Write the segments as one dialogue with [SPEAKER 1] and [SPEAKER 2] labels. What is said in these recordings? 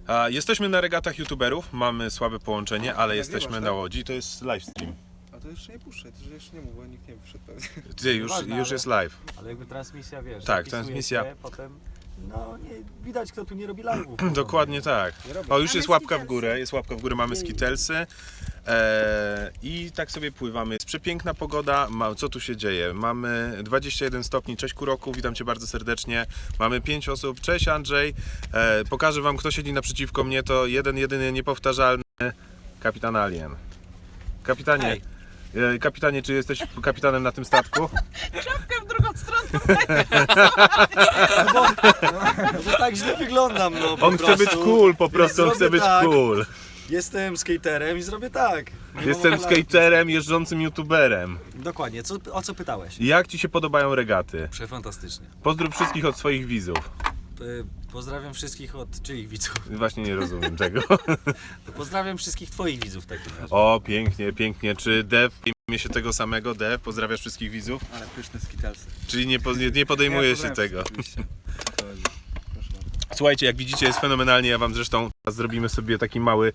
[SPEAKER 1] Jesteśmy na regatach youtuberów, mamy słabe połączenie, ale jesteśmy na Łodzi, to jest livestream.
[SPEAKER 2] A to jeszcze nie puszczę, to jeszcze nie mów, bo nikt nie wszedł pewnie.
[SPEAKER 1] Ty, już jest live.
[SPEAKER 3] Ale jakby transmisja, wiesz,
[SPEAKER 1] Tak, transmisja.
[SPEAKER 3] się, potem, no nie widać, kto tu nie robi live'ów.
[SPEAKER 1] Dokładnie tak. O, już jest łapka w górę, mamy skitelsy. I tak sobie pływamy. Jest przepiękna pogoda, co tu się dzieje? Mamy 21 stopni, cześć Kuroku, witam Cię bardzo serdecznie. Mamy 5 osób, cześć Andrzej. Pokażę Wam, kto siedzi naprzeciwko mnie, to jedyny niepowtarzalny kapitan Alien. Kapitanie, kapitanie, czy jesteś kapitanem na tym statku?
[SPEAKER 4] Czapkę w drugą stronę.
[SPEAKER 3] Bo tak źle wyglądam, no po
[SPEAKER 1] On chce być cool, po prostu on chce
[SPEAKER 3] Zrobię
[SPEAKER 1] być
[SPEAKER 3] tak.
[SPEAKER 1] cool.
[SPEAKER 3] Jestem skaterem i zrobię tak.
[SPEAKER 1] Jestem skaterem, jeżdżącym youtuberem.
[SPEAKER 3] Dokładnie, o co pytałeś?
[SPEAKER 1] Jak Ci się podobają regaty?
[SPEAKER 3] Przefantastycznie.
[SPEAKER 1] Pozdrów wszystkich od swoich widzów.
[SPEAKER 3] Pozdrawiam wszystkich od czyich widzów?
[SPEAKER 1] Właśnie nie rozumiem tego.
[SPEAKER 3] Pozdrawiam wszystkich twoich widzów w takim razie.
[SPEAKER 1] O, pięknie, pięknie. Czy Dev, imię się tego samego, Dev, pozdrawiasz wszystkich widzów?
[SPEAKER 2] Ale pyszne skitelsy.
[SPEAKER 1] Czyli nie podejmuje się tego. Słuchajcie, jak widzicie jest fenomenalnie, ja Wam zresztą zrobimy sobie taki mały...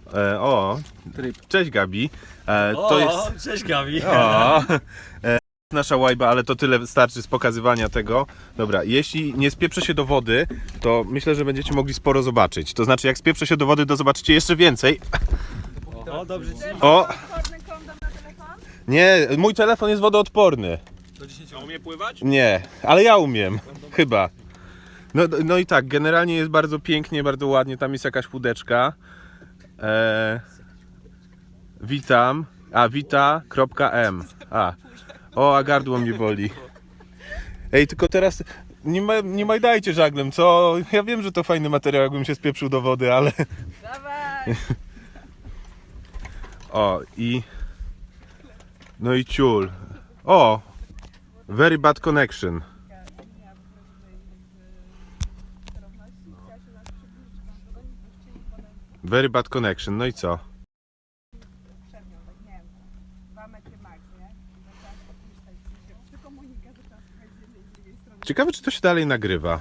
[SPEAKER 1] Cześć Gabi. To jest...
[SPEAKER 3] Cześć Gabi.
[SPEAKER 1] Nasza łajba, ale to tyle starczy z pokazywania tego. Dobra, jeśli nie spieprzę się do wody, to myślę, że będziecie mogli sporo zobaczyć. To znaczy, jak spieprzę się do wody, to zobaczycie jeszcze więcej.
[SPEAKER 3] O, dobrze.
[SPEAKER 1] O!
[SPEAKER 4] Odporny kondom na telefon?
[SPEAKER 1] Nie, mój telefon jest wodoodporny.
[SPEAKER 2] A umie pływać?
[SPEAKER 1] Nie, ale ja umiem. Chyba. No i tak, generalnie jest bardzo pięknie, bardzo ładnie. Tam jest jakaś łódeczka. Witam. Wita.m. A gardło mnie boli. Ej, tylko teraz nie majdajcie żaglem, co? Ja wiem, że to fajny materiał, jakbym się spieprzył do wody, ale...
[SPEAKER 4] Dawaj.
[SPEAKER 1] No i ciul. O! Very bad connection. Very bad connection, no i co? Ciekawe, czy to się dalej nagrywa.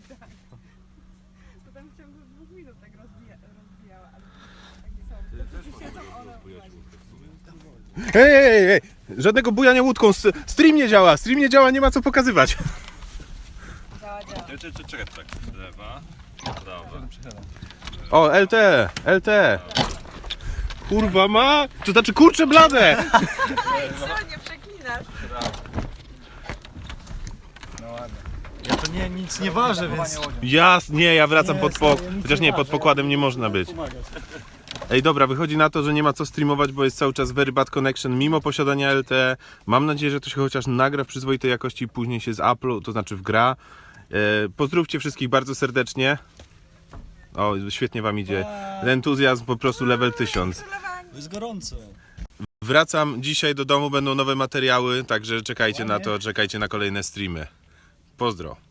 [SPEAKER 4] To tam w ciągu 2 minut tak rozbijała, ale tak nie są. Siedzą one.
[SPEAKER 1] Ej! Żadnego bujania łódką, stream nie działa, nie ma co pokazywać.
[SPEAKER 4] Działa.
[SPEAKER 5] Czekaj, tak. Lewa, prawa.
[SPEAKER 1] O, LT. Kurwa ma? To znaczy kurczę blade!
[SPEAKER 4] Ej, co, nie przeklinasz?
[SPEAKER 3] Ja to nic nie ważę, więc...
[SPEAKER 1] Nie, ja wracam chociaż nie, pod pokładem nie można być. Ej, dobra, wychodzi na to, że nie ma co streamować, bo jest cały czas very bad connection, mimo posiadania LTE. Mam nadzieję, że to się chociaż nagra w przyzwoitej jakości i później się z Apple'u, to znaczy wgra. Pozdrówcie wszystkich bardzo serdecznie. O, świetnie Wam idzie. Entuzjazm po prostu level 1000.
[SPEAKER 3] Jest gorąco.
[SPEAKER 1] Wracam dzisiaj do domu, będą nowe materiały, także czekajcie na to, czekajcie na kolejne streamy. Pozdro.